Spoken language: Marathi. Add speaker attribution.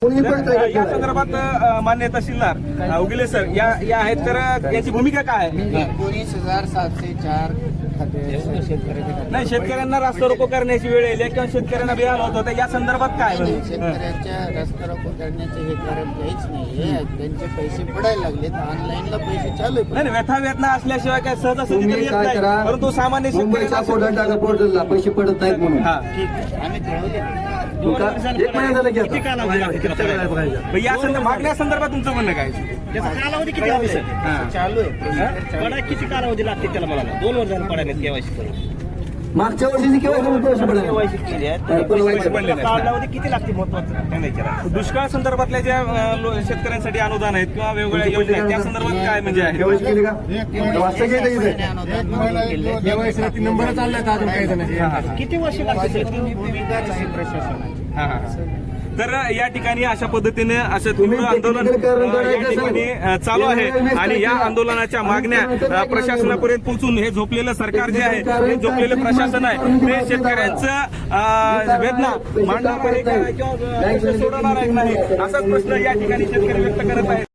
Speaker 1: या संदर्भात मान्य तहसीलदार उगले सर या आहेत, तर याची भूमिका काय आहे?
Speaker 2: 19,704
Speaker 1: नाही, शेतकऱ्यांना रास्ता रोको करण्याची वेळ येईल किंवा शेतकऱ्यांना बेहाल होत होतं, या संदर्भात काय?
Speaker 2: शेतकऱ्यांच्या रस्ता रोको करण्याचे हे कारण काहीच नाही. त्यांचे पैसे पडायला लागलेत, ऑनलाईनला पैसे चालू आहेत.
Speaker 1: नाही, व्यथा वेदना असल्याशिवाय काय सहजासहजी तरी येत नाही, परंतु सामान्य शेतकरी
Speaker 3: पोर्टलला पैसे पडत नाहीत म्हणून
Speaker 2: ठीक आहे, आम्ही कळवले.
Speaker 3: एक महिना झाला की
Speaker 1: या मागण्या संदर्भात तुमचं म्हणणं काय?
Speaker 4: त्याचा कालावधी किती आहे सर?
Speaker 2: चालू आहे.
Speaker 4: पडा किती कालावधी लागते त्याला? मला 2 वर्ष झालं पडायला केवायसी करून.
Speaker 3: मागच्या वर्षी
Speaker 4: केवायसी केली आहे. कालावधी किती लागते महत्वाचं सांगायचं?
Speaker 1: दुष्काळ संदर्भातल्या ज्या शेतकऱ्यांसाठी अनुदान आहेत किंवा वेगवेगळ्या योजना आहेत, त्या संदर्भात काय म्हणजे आहे?
Speaker 3: केली का?
Speaker 2: नंबर
Speaker 4: किती वर्ष लागते?
Speaker 2: भूमिकाच आहे प्रशासनाची.
Speaker 1: तर या ठिकाणी अशा पद्धतीने असं तीव्र आंदोलन या ठिकाणी चालू आहे आणि या आंदोलनाच्या मागण्या प्रशासनापर्यंत पोहोचून हे झोपलेलं सरकार जे आहे, हे झोपलेलं प्रशासन आहे, ते शेतकऱ्यांचं वेदना मांडणार आहे किंवा सोडवणार आहे नाही, असाच प्रश्न या ठिकाणी शेतकरी व्यक्त करत आहेत.